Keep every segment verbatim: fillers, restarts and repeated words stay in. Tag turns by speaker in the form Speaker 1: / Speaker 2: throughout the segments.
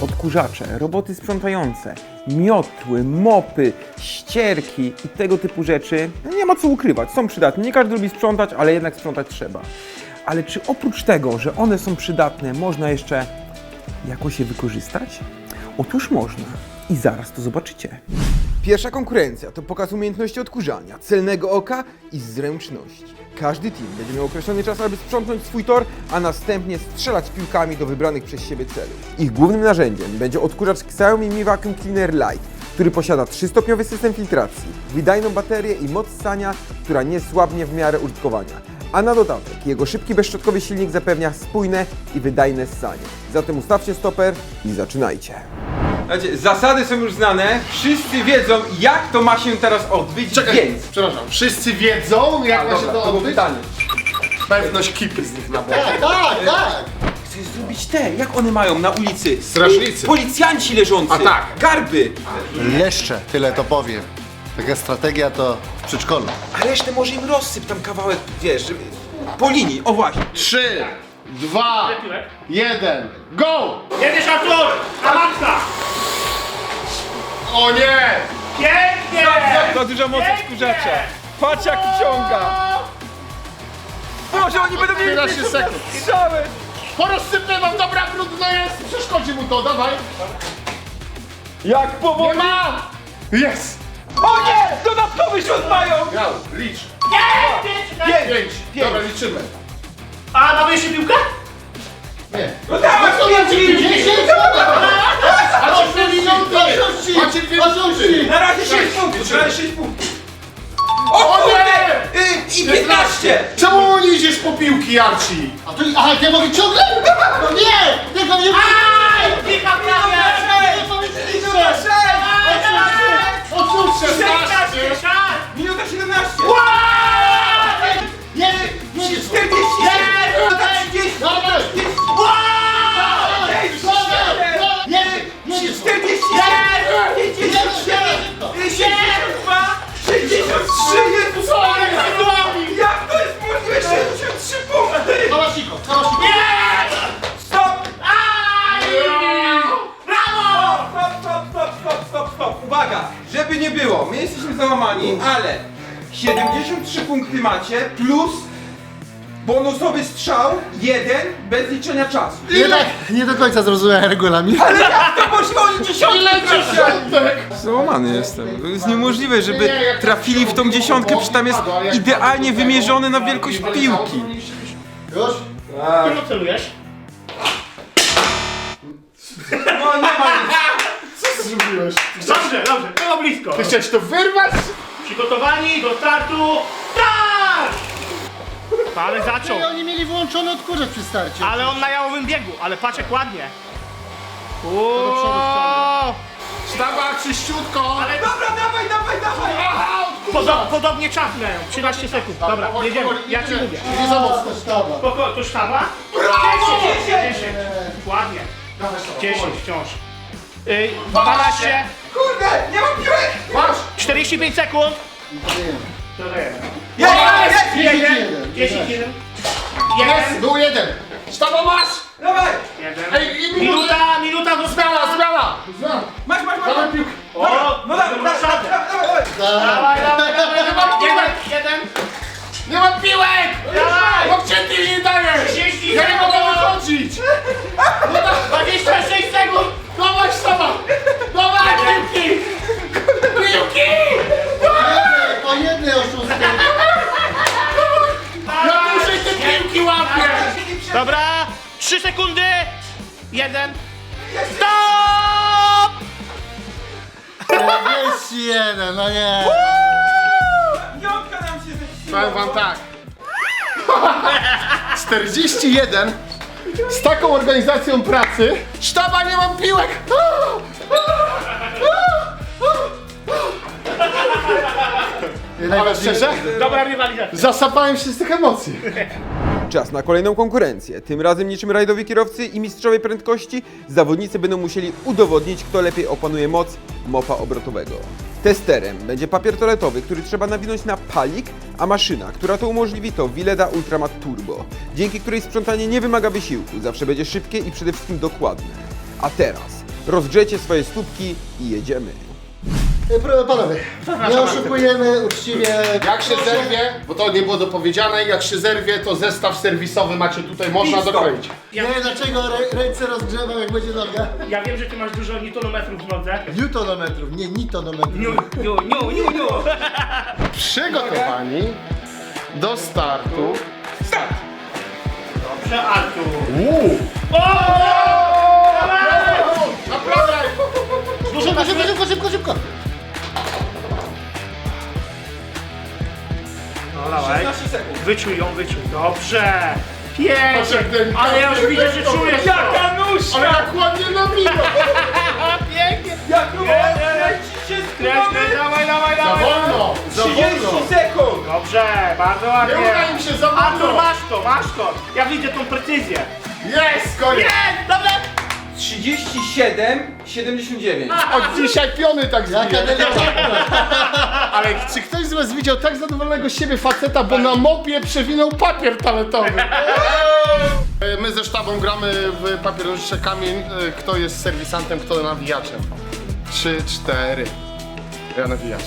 Speaker 1: odkurzacze, roboty sprzątające, miotły, mopy, ścierki i tego typu rzeczy, no nie ma co ukrywać, są przydatne. Nie każdy lubi sprzątać, ale jednak sprzątać trzeba. Ale czy oprócz tego, że one są przydatne, można jeszcze jakoś je wykorzystać? Otóż można i zaraz to zobaczycie. Pierwsza konkurencja to pokaz umiejętności odkurzania, celnego oka i zręczności. Każdy team będzie miał określony czas, aby sprzątnąć swój tor, a następnie strzelać piłkami do wybranych przez siebie celów. Ich głównym narzędziem będzie odkurzacz Xiaomi Mi Vacuum Cleaner Lite, który posiada trzystopniowy system filtracji, wydajną baterię i moc ssania, która nie słabnie w miarę użytkowania. A na dodatek jego szybki, bezszczotkowy silnik zapewnia spójne i wydajne ssanie. Zatem ustawcie stoper i zaczynajcie. Słuchajcie, zasady są już znane, wszyscy wiedzą, jak to ma się teraz odbyć,
Speaker 2: Czekaj,
Speaker 1: więc...
Speaker 2: przepraszam, wszyscy wiedzą, jak
Speaker 1: A,
Speaker 2: ma
Speaker 1: dobra,
Speaker 2: się
Speaker 1: to
Speaker 2: to
Speaker 1: było
Speaker 2: odbyć?
Speaker 1: pytanie.
Speaker 2: Pewność kipy z nich na boku.
Speaker 3: Tak, tak, tak!
Speaker 1: Chcesz zrobić te, jak one mają na ulicy?
Speaker 2: Strażnicy.
Speaker 1: Policjanci leżący.
Speaker 2: A tak.
Speaker 1: Garby.
Speaker 3: Jeszcze tyle to powiem. Taka strategia to w przedszkolu.
Speaker 1: A resztę może im rozsyp tam kawałek, wiesz, żeby... po linii, o właśnie.
Speaker 2: Trzy, dwa, jeden, go!
Speaker 4: Jedziesz, Artur! Awansa!
Speaker 2: O nie!
Speaker 4: Pięknie!
Speaker 1: To duża moc odkurzacza. Patrz jak ciąga. Boże, oni będą mieli
Speaker 2: piętnaście sekund.
Speaker 1: strzały.
Speaker 2: Porozsypmy wam, dobra, brudno jest! Przeszkodzi mu to, dawaj!
Speaker 1: Jak
Speaker 2: Nie
Speaker 1: powoli.
Speaker 2: ma! Jest!
Speaker 1: O nie! Dodatkowy rzut mają.
Speaker 2: Miał, licz.
Speaker 4: Pięć!
Speaker 1: Pięć.
Speaker 2: Pięć.
Speaker 1: Pięć.
Speaker 2: Dobra, liczymy.
Speaker 4: A, mamy jeszcze piłkę?
Speaker 2: Nie.
Speaker 1: No dawaj, pięć.
Speaker 2: Macie dwie minuty! Macie dwie minuty!
Speaker 1: Na razie sześć punktów, na razie sześć punktów.
Speaker 2: O nie!
Speaker 1: Y, I piętnaście.
Speaker 2: Czemu nie idziesz po piłki, Archie?
Speaker 3: A tu, aha, ja mogę ciągle? No nie! Tego nie
Speaker 4: Aj! Piłka prawie!
Speaker 1: Minuta sześć.
Speaker 3: Odsuń się!
Speaker 4: szesnaście! czas!
Speaker 1: Minuta siedemnaście.
Speaker 3: Nie, nie, nie!
Speaker 1: czterdzieści. Minuta trzydzieści.
Speaker 3: Dawaj! Nie, nie, nie!
Speaker 1: czterdzieści. pięćdziesiąt siedem. sześćdziesiąt dwa. sześćdziesiąt trzy. Jezus Maria. Jak to jest możliwe? sześćdziesiąt trzy punkty.
Speaker 3: Kalasiko, kalasiko!
Speaker 1: Stop.
Speaker 4: Brawo!
Speaker 1: Stop, stop, stop, stop, stop, stop. Uwaga, żeby nie było, my jesteśmy załamani, ale siedemdziesiąt trzy punkty macie plus bonusowy strzał, jeden bez liczenia czasu.
Speaker 3: Nie, tak, nie do końca zrozumiałem regulamin.
Speaker 1: Ale jak to możliwe? Oni dziesiątkę
Speaker 2: Ile dziesiątek?
Speaker 1: Załamany jestem. To jest niemożliwe, żeby
Speaker 2: Nie, jak
Speaker 1: trafili w tą dziesiątkę, przecież tam jest idealnie wymierzone na wielkość piłki.
Speaker 3: Już?
Speaker 4: Którą celujesz?
Speaker 1: No nie ma nic.
Speaker 2: Co zrobiłeś?
Speaker 4: Dobrze, dobrze, było blisko.
Speaker 2: Ty chciałeś to wyrwać?
Speaker 4: Przygotowani do startu. Tak! Ale zaczął.
Speaker 3: Ej, oni mieli wyłączony odkurzacz przy starcie.
Speaker 4: Ale on na jałowym biegu, ale patrz jak ładnie.
Speaker 3: do przodu
Speaker 4: Uuuu.
Speaker 2: Sztaba, czyściutko!
Speaker 4: Ale
Speaker 1: Dobra, dawaj, dawaj, dawaj.
Speaker 2: Aha,
Speaker 4: Podo podobnie czapnę. trzynaście sekund. Dobra,
Speaker 2: powoli,
Speaker 4: jedziemy.
Speaker 2: powoli,
Speaker 4: Ja ci
Speaker 2: idzie.
Speaker 4: mówię.
Speaker 3: Nie za mocno sztaba.
Speaker 4: Spoko, to sztaba?
Speaker 1: Brawo!
Speaker 4: dziesięć. Ładnie. dziesięć wciąż. Yy, dwanaście.
Speaker 1: Kurde, nie mam piłek.
Speaker 2: Masz!
Speaker 4: czterdzieści pięć sekund.
Speaker 1: Jest, jest.
Speaker 4: jeden. dziesięć, jeden.
Speaker 2: Jest!
Speaker 4: jeden.
Speaker 2: Był jeden! Sztaba, masz!
Speaker 1: Dawaj.
Speaker 4: jeden.
Speaker 2: Ej, i minuta!
Speaker 4: Minuta, minuta została.
Speaker 2: Zmiana, zmiana! Zmiana!
Speaker 1: Masz, masz, masz.
Speaker 2: Dawaj piłkę!
Speaker 4: O,
Speaker 1: No dawaj, dawaj, dawaj, dawaj.
Speaker 4: Dawaj, dawaj, dawaj. Jeden, jeden.
Speaker 2: Nie mam piłek!
Speaker 4: Dawaj.
Speaker 2: Bo gdzie ty nie dajesz?
Speaker 4: trzydzieści
Speaker 2: Ja nie mogę
Speaker 4: sekund.
Speaker 2: wychodzić!
Speaker 4: dwadzieścia sześć sekund.
Speaker 2: Dawaj, sztaba! Dawaj, piłki! Piłki!
Speaker 3: O jednej oszustwie.
Speaker 2: Ja dłużej te piłki łapię!
Speaker 4: Dobra, trzy sekundy. jeden. Stop!
Speaker 3: Jest jeden, no nie.
Speaker 1: Piątka nam się zepsuła.
Speaker 2: Powiem wam tak. czterdzieści jeden z taką organizacją pracy. Sztaba, nie mam piłek! Ale szczerze,
Speaker 4: Dobra rywalizacja.
Speaker 2: zasapałem się z tych emocji.
Speaker 1: Czas na kolejną konkurencję. Tym razem niczym rajdowi kierowcy i mistrzowie prędkości zawodnicy będą musieli udowodnić, kto lepiej opanuje moc mopa obrotowego. Testerem będzie papier toaletowy, który trzeba nawinąć na palik, a maszyna, która to umożliwi, to Willeda Ultramat Turbo, dzięki której sprzątanie nie wymaga wysiłku, zawsze będzie szybkie i przede wszystkim dokładne. A teraz rozgrzecie swoje stópki i jedziemy.
Speaker 3: E, pro- Panowie, nie oszukujemy, uczciwie.
Speaker 2: Jak się zerwie, bo to nie było dopowiedziane, jak się zerwie, to zestaw serwisowy macie tutaj, można
Speaker 1: Pit stop.
Speaker 2: dokroić.
Speaker 4: Ja,
Speaker 3: Nie, dlaczego rę- ręce rozgrzewam jak będzie noga?
Speaker 4: ja wiem, że ty masz dużo newtonometrów w nodze.
Speaker 3: Newtonometrów, nie nitonometrów.
Speaker 4: Niu, niu, niu, niu, niu.
Speaker 2: Przygotowani do startu. Start!
Speaker 4: Dobrze, Artur.
Speaker 2: Uuu!
Speaker 4: O!
Speaker 2: Naprawdę!
Speaker 3: Szybko, szybko, szybko, szybko, szybko.
Speaker 4: No dawaj.
Speaker 1: szesnaście sekund.
Speaker 4: Wyczuj ją, wyczuj. Dobrze.
Speaker 2: Patrz, jak
Speaker 4: Pięknie.
Speaker 2: ten-
Speaker 4: Ale ja już widzę, że czujesz to.
Speaker 1: Jaka nóżka!
Speaker 2: Ale jak ładnie nabija!
Speaker 4: Pięknie.
Speaker 1: Jak nóżka!
Speaker 4: Nie, nie, nie.
Speaker 1: Kręcić się
Speaker 4: Kręćmy, dawaj, dawaj,
Speaker 2: Za
Speaker 4: dawaj.
Speaker 2: wolno! Za wolno!
Speaker 1: trzydzieści sekund!
Speaker 4: Dobrze, bardzo
Speaker 2: Nie
Speaker 4: ładnie.
Speaker 2: uda im się za
Speaker 4: Artur,
Speaker 2: wolno!
Speaker 4: masz to, masz to. Ja widzę tą precyzję.
Speaker 2: Jest, koniec!
Speaker 4: Jest, dobrze.
Speaker 1: trzydzieści siedem siedemdziesiąt dziewięć.
Speaker 2: Od dzisiaj piony tak
Speaker 3: Jaka
Speaker 2: zbije.
Speaker 3: delikatna.
Speaker 2: Ale czy ktoś z was widział tak zadowolonego z siebie faceta, bo na mopie przewinął papier toaletowy? My ze sztabą gramy w papier, nożyczek, kamień. Kto jest serwisantem, kto nawijaczem? Trzy, cztery. Ja nawijacz.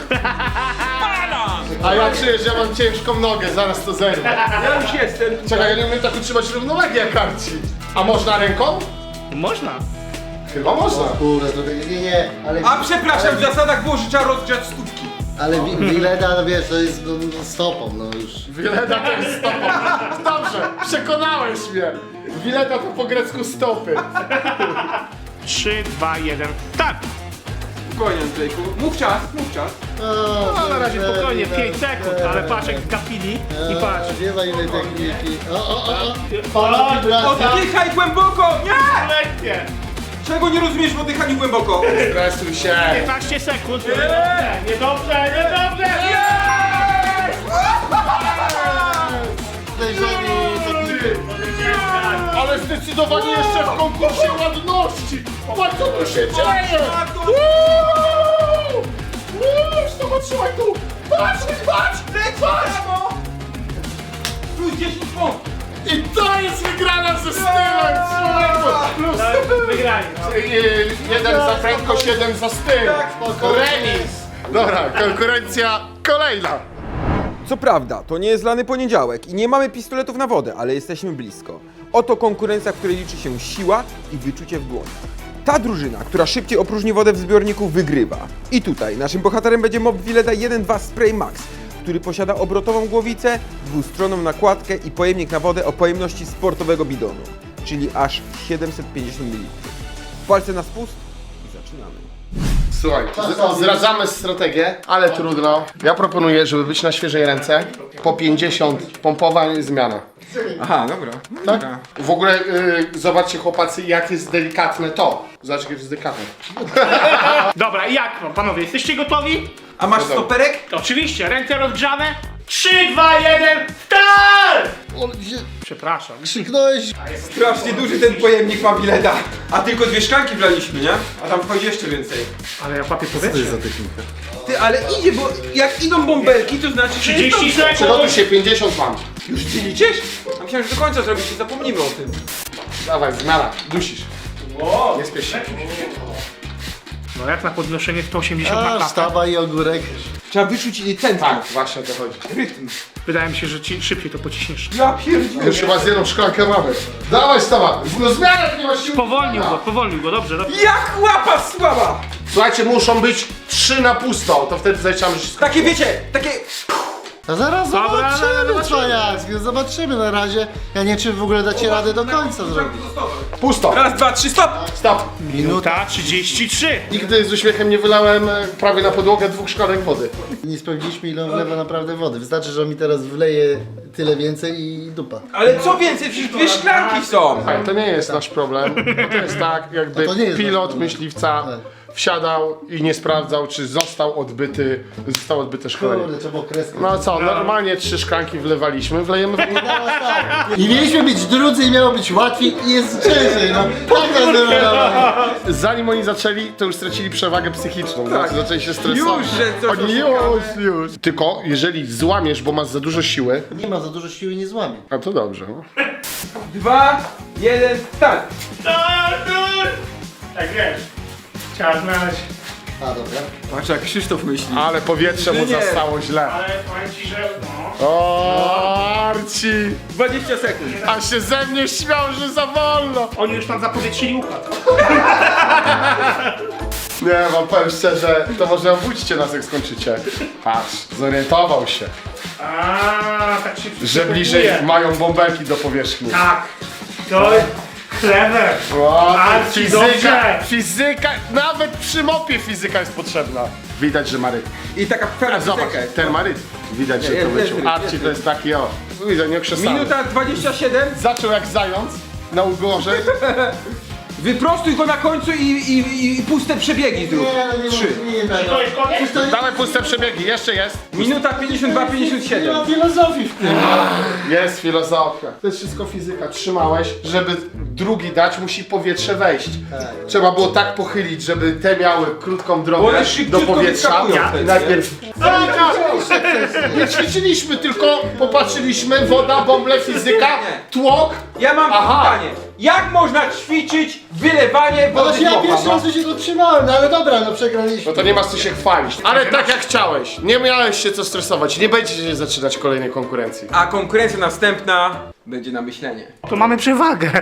Speaker 2: A ja czuję, że ja mam ciężką nogę, zaraz to zerwę.
Speaker 1: Ja już jestem.
Speaker 2: Czekaj, ja nie umiem tak utrzymać równowagi jak karci. A można ręką?
Speaker 4: Można.
Speaker 2: Chyba można.
Speaker 3: Kurde, to nie, nie, ale...
Speaker 1: A przepraszam, w zasadach było, że trzeba rozgrzać stópki.
Speaker 3: Ale wi- Wileda, no wiesz, to jest no, no, stopą, no już.
Speaker 2: Wileta to jest stopa. Dobrze, przekonałeś mnie. Wileta to po grecku stopy.
Speaker 4: Trzy, dwa, jeden. Tak.
Speaker 1: Spokojnie, Andrzejku. Mów czas, mów czas.
Speaker 3: O,
Speaker 4: No, na razie
Speaker 3: Wileda,
Speaker 4: spokojnie,
Speaker 3: Wileda,
Speaker 4: pięć sekund, ale patrz jak gapili i patrz.
Speaker 3: Nie ma innej techniki. O, o, o, o.
Speaker 4: O,
Speaker 3: Wibracja.
Speaker 1: Oddychaj głęboko! Nie!
Speaker 4: lekkie.
Speaker 1: Czego nie rozumiesz w oddychaniu głęboko?
Speaker 2: Stresuj się.
Speaker 4: piętnaście sekund. Niedobrze, niedobrze, niedobrze.
Speaker 3: Podejrzani techniki.
Speaker 2: Ale zdecydowanie jeszcze w konkursie ładności. Patrz co tu się dzieje. Uuu! Uuu, Stop, trzymaj tu. Patrz, patrz, patrz.
Speaker 1: Plus dziesięć punktów.
Speaker 2: I to jest wygrana ze stylem. Człowieku. Plus.
Speaker 4: Wygrali. No.
Speaker 2: Yy, Jeden za prędkość, jeden za styl. Remis. Dobra, konkurencja kolejna.
Speaker 1: Co prawda, to nie jest lany poniedziałek i nie mamy pistoletów na wodę, ale jesteśmy blisko. Oto konkurencja, w której liczy się siła i wyczucie w dłoniach. Ta drużyna, która szybciej opróżni wodę w zbiorniku, wygrywa. I tutaj naszym bohaterem będzie Mob Wileda jeden dwa Spray Max, który posiada obrotową głowicę, dwustronną nakładkę i pojemnik na wodę o pojemności sportowego bidonu, czyli aż siedemset pięćdziesiąt mililitrów. Palce na spust i zaczynamy.
Speaker 2: Słuchaj, z- zdradzamy strategię, ale trudno. Ja proponuję, żeby być na świeżej ręce, po pięćdziesiąt pompowań i zmiana.
Speaker 1: Aha, dobra.
Speaker 2: Tak? W ogóle y, zobaczcie chłopacy, jak jest delikatne to. Zobaczcie, jak jest delikatne.
Speaker 4: Dobra, i jak no, panowie, jesteście gotowi?
Speaker 1: A masz stoperek?
Speaker 4: Oczywiście, ręce rozgrzane. Trzy, dwa, jeden, start!
Speaker 3: O, gdzie-
Speaker 4: Przepraszam.
Speaker 3: Krzyknąłeś.
Speaker 1: Strasznie duży ten pojemnik ma Wileda. A tylko dwie szklanki wlaliśmy, nie? A tam wchodzi jeszcze więcej.
Speaker 4: Ale ja papier powietrze.
Speaker 3: technika?
Speaker 1: Ty, ale idzie, bo jak idą bąbelki, to znaczy, że
Speaker 4: trzydzieści
Speaker 1: jest dobrze.
Speaker 2: Przygotuj
Speaker 4: sekund.
Speaker 2: się, pięćdziesiąt mam.
Speaker 1: Już ty liczysz? A myślałem, że do końca zrobisz i zapomnimy o tym.
Speaker 2: Dawaj, zmiana, dusisz. Nie spiesz się.
Speaker 4: No jak na podnoszenie sto osiemdziesiąt na
Speaker 3: A,
Speaker 4: klatę.
Speaker 3: sztaba i ogórek.
Speaker 1: Trzeba wyczuć tętno,
Speaker 2: Tak, właśnie o to chodzi.
Speaker 1: rytm.
Speaker 4: Wydaje mi się, że ci szybciej to pociśniesz.
Speaker 1: Ja pierdzielę.
Speaker 2: Już chyba z jedną szklankę mamy. Dawaj, stawa! No zmiana, nie ma siły.
Speaker 4: Powolnił go, powolnił go, dobrze, dobrze.
Speaker 1: Jak łapa słaba!
Speaker 2: Słuchajcie, muszą być trzy na pusto, to wtedy zaliczamy wszystko.
Speaker 1: Takie wiecie, takie...
Speaker 3: A zaraz
Speaker 4: Dobra,
Speaker 3: zobaczymy,
Speaker 4: zobaczymy.
Speaker 3: cwaniacki, zobaczymy na razie. Ja nie wiem, czy w ogóle dacie radę do końca zrobić.
Speaker 2: Pusto.
Speaker 1: Raz, dwa, trzy, stop!
Speaker 2: Stop.
Speaker 4: Minuta trzydzieści trzy.
Speaker 2: Nigdy z uśmiechem nie wylałem e, prawie na podłogę dwóch szklanek wody.
Speaker 3: Nie sprawdziliśmy, ile on wlewa naprawdę wody. Wystarczy, że on mi teraz wleje tyle więcej i dupa.
Speaker 1: Ale co więcej, przecież dwie szklanki są!
Speaker 2: Słuchaj, to nie jest nasz problem. To jest tak, jakby
Speaker 3: A to nie jest nasz
Speaker 2: pilot
Speaker 3: problem.
Speaker 2: myśliwca
Speaker 3: Tak.
Speaker 2: wsiadał i nie sprawdzał, czy został odbyty, zostało odbyte szkolenie.
Speaker 3: Kurde, trzeba było kreskę.
Speaker 2: No co, normalnie trzy szklanki wlewaliśmy, wlejemy w
Speaker 3: I mieliśmy być drudzy i miało być łatwiej i jest ciężej, no. Tak to zrobione.
Speaker 2: Zanim oni zaczęli, to już stracili przewagę psychiczną,
Speaker 1: Tak.
Speaker 2: tak. Zaczęli się stresować.
Speaker 1: Już, że coś
Speaker 2: Oni
Speaker 1: oszukamy.
Speaker 2: już, już. Tylko jeżeli złamiesz, bo masz za dużo siły,
Speaker 3: Nie ma za dużo siły, nie złamie.
Speaker 2: a to dobrze. No.
Speaker 1: Dwa, jeden, start!
Speaker 4: Artur! Tak wiesz. Trzeba znaleźć.
Speaker 3: A, dobra.
Speaker 1: Patrz jak Krzysztof myśli.
Speaker 2: Ale powietrze mu
Speaker 1: Inżynier.
Speaker 2: zastało źle.
Speaker 4: Ale powiem ci, że no.
Speaker 2: O, Arci!
Speaker 1: dwadzieścia sekund.
Speaker 2: A się ze mnie śmiał, że za wolno.
Speaker 4: Oni już tam zapowietrzyli układ.
Speaker 2: Nie, wam powiem szczerze, to może obudźcie nas jak skończycie. Patrz, zorientował się,
Speaker 4: A, tak się
Speaker 2: że
Speaker 4: przygotowuje.
Speaker 2: bliżej mają bąbelki do powierzchni.
Speaker 4: Tak. To clever.
Speaker 2: O,
Speaker 4: Arci,
Speaker 2: fizyka,
Speaker 4: dobrze.
Speaker 2: fizyka, nawet przy mopie fizyka jest potrzebna. Widać, że ma rytm.
Speaker 1: I taka
Speaker 2: A
Speaker 1: pewna
Speaker 2: zobacz,
Speaker 1: piosenka.
Speaker 2: ten ma rytm. Widać, że
Speaker 1: Nie,
Speaker 2: to
Speaker 1: jest, jest
Speaker 2: wyciął.
Speaker 1: rytm,
Speaker 2: Arci
Speaker 1: jest
Speaker 2: to jest taki, o, widzę, nie okrzesany.
Speaker 1: Minuta dwadzieścia siedem.
Speaker 2: Zaczął jak zając na ugorze.
Speaker 1: Wyprostuj go na końcu i, i, i puste przebiegi zrób.
Speaker 3: Nie, no nie
Speaker 1: Trzy.
Speaker 3: nie, nie, nie,
Speaker 4: To jest koniec?
Speaker 3: to nie,
Speaker 2: Dawaj puste przebiegi, jeszcze jest.
Speaker 1: Minuta pięćdziesiąt dwa pięćdziesiąt
Speaker 3: nie
Speaker 1: siedem.
Speaker 3: ma filozofii w tym.
Speaker 2: Jest filozofia. To jest wszystko fizyka. Trzymałeś, żeby drugi dać, musi powietrze wejść. Trzeba było tak pochylić, żeby te miały krótką
Speaker 1: Bo
Speaker 2: drogę
Speaker 1: one
Speaker 2: do
Speaker 1: szybciutko
Speaker 2: powietrza.
Speaker 1: wyskakują wtedy,
Speaker 2: I najpierw... Nie ćwiczyliśmy, tylko popatrzyliśmy, woda, bąble, fizyka, tłok.
Speaker 1: Ja mam
Speaker 2: Aha.
Speaker 1: pytanie. Jak można ćwiczyć wylewanie
Speaker 3: No
Speaker 1: wody z
Speaker 3: ja
Speaker 1: mopa,
Speaker 3: pierwszy
Speaker 1: no?
Speaker 3: raz się go trzymałem, no ale dobra, no przegraliśmy.
Speaker 2: No to nie masz co się chwalić. Ale tak jak chciałeś. Nie miałeś się co stresować. Nie będziecie zaczynać kolejnej konkurencji.
Speaker 1: A konkurencja następna będzie na myślenie.
Speaker 4: To mamy przewagę.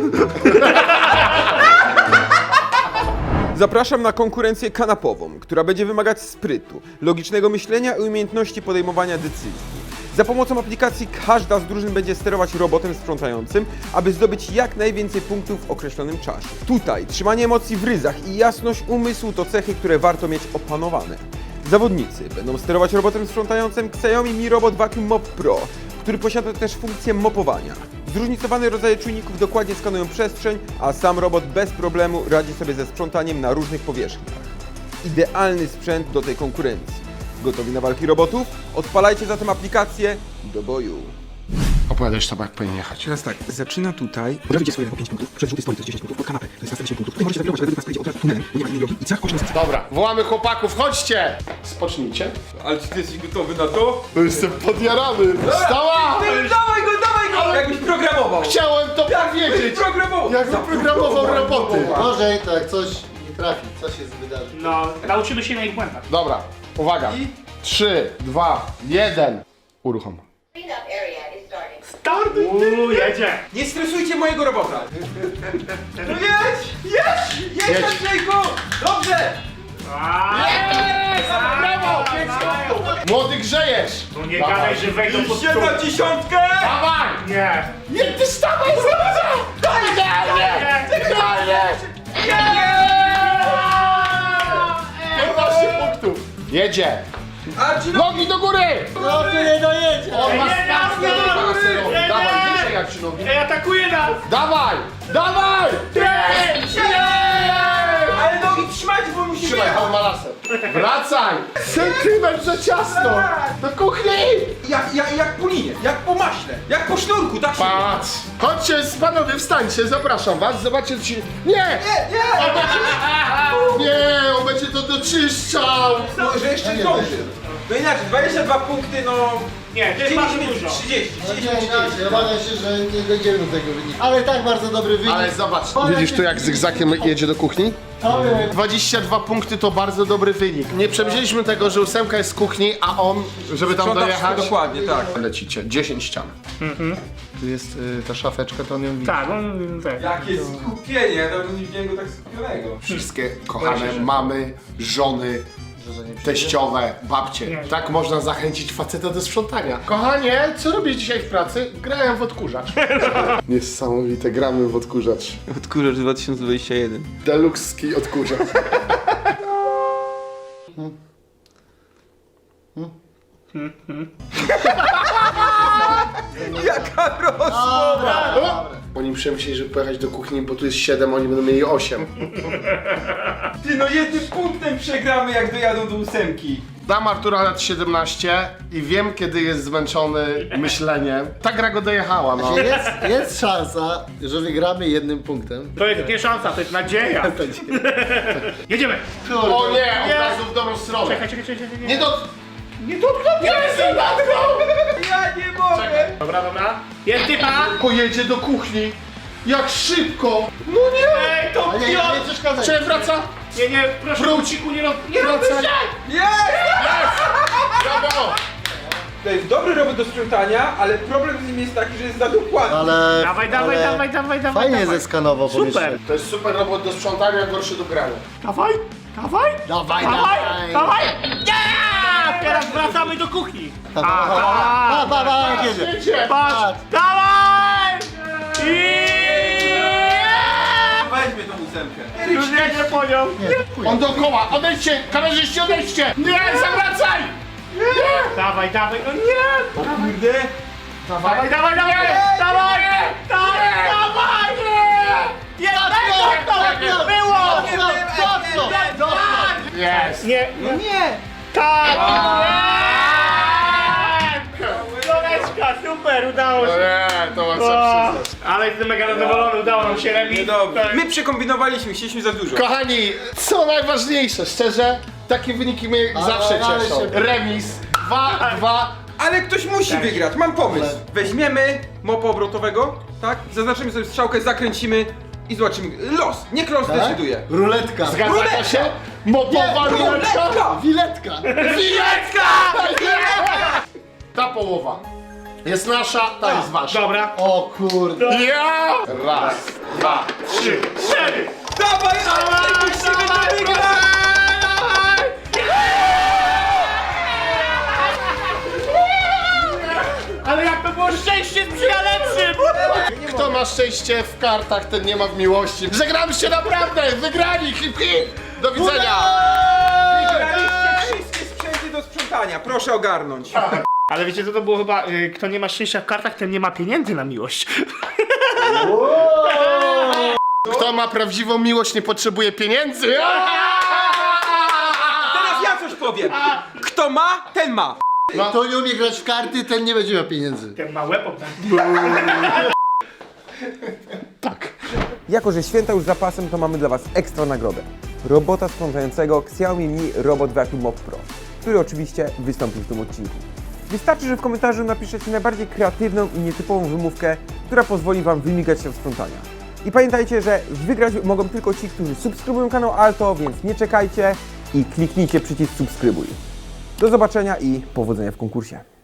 Speaker 1: Zapraszam na konkurencję kanapową, która będzie wymagać sprytu, logicznego myślenia i umiejętności podejmowania decyzji. Za pomocą aplikacji każda z drużyn będzie sterować robotem sprzątającym, aby zdobyć jak najwięcej punktów w określonym czasie. Tutaj trzymanie emocji w ryzach i jasność umysłu to cechy, które warto mieć opanowane. Zawodnicy będą sterować robotem sprzątającym Xiaomi Mi Robot Vacuum Mop Pro, który posiada też funkcję mopowania. Zróżnicowane rodzaje czujników dokładnie skanują przestrzeń, a sam robot bez problemu radzi sobie ze sprzątaniem na różnych powierzchniach. Idealny sprzęt do tej konkurencji. Gotowi na walki robotów? Odpalajcie zatem aplikację do boju.
Speaker 2: Opowiadasz to, jak powinien jechać.
Speaker 1: Teraz tak, zaczyna tutaj. Podawicie swoje po pięć punktów, przez żółty stoi to jest dziesięć punktów, pod kanapę to jest następnie punktów. Tutaj możecie zawirować, ale według nas pojedzie od razu tunelem, bo nie ma innej drogi i cach oczy na
Speaker 2: Dobra, wołamy chłopaków, chodźcie! Spocznijcie.
Speaker 1: Ale czy ty jesteś gotowy na to?
Speaker 2: No jestem podjarany. Wstała!
Speaker 1: Dawaj go, dawaj go! Jakbyś programował!
Speaker 2: Chciałem to powiedzieć!
Speaker 1: programował!
Speaker 2: Jak zaprogramował roboty.
Speaker 3: Może to jak coś nie trafi, coś się wydarzy.
Speaker 4: No, nauczymy się na ich błędach.
Speaker 2: Dobra, uwaga.
Speaker 1: I?
Speaker 2: Trzy, dwa, jeden. Uruchom.
Speaker 5: Cleanup area is starting.
Speaker 4: Start! Uuu, jedzie.
Speaker 1: Nie stresujcie mojego robota! No jedź! Jedź! Jedź,
Speaker 2: Jedź.
Speaker 1: Andrzejku! Dobrze!
Speaker 2: Brawo! Młody grzejesz!
Speaker 4: No nie gadaj, że wejdą pod
Speaker 1: Idzie na dziesiątkę!
Speaker 2: Dawaj!
Speaker 4: Nie.
Speaker 2: Nie, ty stawaj, stawaj! Idealnie! Idealnie! piętnaście punktów. Jedzie!
Speaker 1: Arci, no
Speaker 2: Nogi do góry!
Speaker 3: No tu nie dojedzie.
Speaker 2: On ma
Speaker 4: Nie, nie,
Speaker 2: stawkę
Speaker 4: nie,
Speaker 2: do baserowi.
Speaker 4: nie, nie.
Speaker 2: Dawaj, wyżej jak ci nogi.
Speaker 4: Ej, atakuje nas!
Speaker 2: Dawaj! Dawaj!
Speaker 1: ale nogi trzymajcie, bo musimy
Speaker 2: Trzymaj,
Speaker 1: jechać!
Speaker 2: on ma laser. Wracaj! Centymetr za ciasno! Do kuchni!
Speaker 1: Jak, jak, jak po linie, jak po maśle, jak po sznurku, tak się...
Speaker 2: Patrz! Chodźcie, panowie, wstańcie, zapraszam was, zobaczcie, ci... Nie!
Speaker 1: Nie, nie!
Speaker 2: Nie, on będzie to doczyszczał!
Speaker 1: No, że jeszcze zdąży. No inaczej, dwadzieścia dwa punkty, no...
Speaker 4: Nie, to jest bardzo
Speaker 1: dziewięćdziesiąt,
Speaker 4: dużo.
Speaker 1: trzydzieści,
Speaker 3: No
Speaker 1: trzydzieści,
Speaker 3: nie, inaczej, obawiam się, że nie dojdziemy do tego wyniku. Ale i tak bardzo dobry wynik.
Speaker 2: Ale zobacz, widzisz tu jak zygzakiem jedzie do kuchni?
Speaker 3: To wiem.
Speaker 2: dwadzieścia dwa punkty to bardzo dobry wynik. Nie przewidzieliśmy tego, że ósemka jest z kuchni, a on, żeby tam
Speaker 1: Sprząta
Speaker 2: dojechać...
Speaker 1: wszystko dokładnie, tak.
Speaker 2: Lecicie, dziesięć ścian. Tu jest y, ta szafeczka, to on ją widzi.
Speaker 4: Tak, on tak.
Speaker 1: Jakie skupienie, ja dawno nie widziałem go tak skupionego.
Speaker 2: Wszystkie kochane mamy, żony, teściowe, babcie. Tak można zachęcić faceta do sprzątania. Kochanie, co robisz dzisiaj w pracy? Grałem w odkurzacz. Niesamowite, gramy w odkurzacz.
Speaker 1: Odkurzacz dwa tysiące dwudziesty pierwszy.
Speaker 2: Deluxe'ski odkurzacz.
Speaker 1: Jaka rozmowa!
Speaker 2: Oni przemyśleli, żeby pojechać do kuchni, bo tu jest siedem, oni będą mieli osiem.
Speaker 1: Ty, no jednym punktem przegramy, jak dojadą do ósemki.
Speaker 2: Dam Artura lat siedemnaście i wiem, kiedy jest zmęczony myśleniem. Ta gra go dojechała, no.
Speaker 3: Jest, jest szansa, że wygramy jednym punktem.
Speaker 4: To jest nie szansa, to jest nadzieja. Jedziemy!
Speaker 2: O nie, od razu w dobrą stronę.
Speaker 4: Czekaj, czekaj, czekaj, czekaj.
Speaker 2: Nie do... Nie dotknął, nie jestem
Speaker 1: Ja nie mogę!
Speaker 4: Dobra, dobra. Jest typa!
Speaker 2: Pojedzie do kuchni. Jak szybko! No nie!
Speaker 4: Ej, to
Speaker 3: A nie, nie,
Speaker 4: Jo!
Speaker 3: nie przeszkadzaj.
Speaker 2: Czy wraca?
Speaker 4: Nie, nie, proszę,
Speaker 2: Wróć.
Speaker 4: Wróciku, nie rob... Nie
Speaker 2: Wracaj.
Speaker 4: robisz
Speaker 2: Brawo!
Speaker 1: To jest dobry robot do sprzątania, ale problem z nim jest taki, że jest za dokładny.
Speaker 3: Ale...
Speaker 4: Dawaj, dawaj,
Speaker 3: ale
Speaker 4: dawaj, dawaj, dawaj,
Speaker 3: Fajnie
Speaker 4: dawaj.
Speaker 3: zeskanował
Speaker 4: Super.
Speaker 3: pomieszczenie.
Speaker 2: To jest super robot do sprzątania, gorszy do grania.
Speaker 4: Dawaj, dawaj,
Speaker 3: Dawaj,
Speaker 4: dawaj,
Speaker 3: dawaj.
Speaker 4: dawaj. Nie! Teraz wracamy do kuchni.
Speaker 3: Pa, pa, pa, pa, pa, jak jedzie.
Speaker 2: Jedzie!
Speaker 4: Patrz, dawaj! I...
Speaker 1: Weźmy tą ósemkę.
Speaker 4: Już jedzie po nią.
Speaker 2: On dookoła, odejdźcie! Kamerzyści, odejdźcie! Nie, zawracaj!
Speaker 4: Dawaj, dawaj, no nie!
Speaker 1: Kurde.
Speaker 4: Dawaj, dawaj, dawaj! Dawaj! Dawaj! Dawaj! Nie! Nie! Było!
Speaker 2: Jest!
Speaker 4: Nie! Nie! Tak! Koleczka, super, udało
Speaker 2: No
Speaker 4: się!
Speaker 2: nie, to mam co
Speaker 4: O,
Speaker 2: przyznać.
Speaker 4: ale jestem mega zadowolony, udało nam się remis.
Speaker 1: Dobrze. My przekombinowaliśmy, chcieliśmy za dużo.
Speaker 2: Kochani, co najważniejsze, szczerze, takie wyniki mnie
Speaker 3: Ale-
Speaker 2: zawsze
Speaker 3: ale
Speaker 2: cieszą.
Speaker 3: się-
Speaker 2: Remis, dwa, dwa.
Speaker 1: Ale ktoś musi wygrać, mam pomysł. Weźmiemy mopa obrotowego, tak? Zaznaczymy sobie strzałkę, zakręcimy i zobaczymy. Los, niech los
Speaker 3: Tak?
Speaker 1: decyduje.
Speaker 3: Ruletka.
Speaker 2: Zgadza
Speaker 1: Ruletka!
Speaker 2: się? Mopowa
Speaker 1: Nie,
Speaker 2: ruletka?
Speaker 1: ruletka!
Speaker 3: Wiletka.
Speaker 2: Wilecka! Ta połowa jest nasza, ta jest wasza.
Speaker 4: Dobra.
Speaker 3: O kurde.
Speaker 2: Ja! Raz, dwa,
Speaker 4: Trzy, cztery.
Speaker 1: Dawaj, ale musimy to wygrać!
Speaker 4: Ale jak to było szczęście sprzyja lepszym!
Speaker 2: Kto ma szczęście w kartach, ten nie ma w miłości. Żegnamy się naprawdę! Wygrani! Hip hip! Do widzenia!
Speaker 1: Wygraliście wszystkie sprzęty do sprzątania, proszę ogarnąć.
Speaker 4: Ale wiecie co to było chyba, y, kto nie ma szczęścia w kartach, ten nie ma pieniędzy na miłość.
Speaker 2: Kto ma prawdziwą miłość, nie potrzebuje pieniędzy.
Speaker 1: Teraz ja coś powiem. Kto ma, ten ma.
Speaker 3: Kto nie umie grać w karty, ten nie będzie miał pieniędzy.
Speaker 4: Ten ma łeb obdarty.
Speaker 2: Tak.
Speaker 1: Jako że święta już za pasem, to mamy dla Was ekstra nagrodę. Robota sprzątającego Xiaomi Mi Robot Vacuum Mop Pro, który oczywiście wystąpi w tym odcinku. Wystarczy, że w komentarzu napiszecie najbardziej kreatywną i nietypową wymówkę, która pozwoli Wam wymigać się w sprzątania. I pamiętajcie, że wygrać mogą tylko ci, którzy subskrybują kanał Alto, więc nie czekajcie i kliknijcie przycisk subskrybuj. Do zobaczenia i powodzenia w konkursie.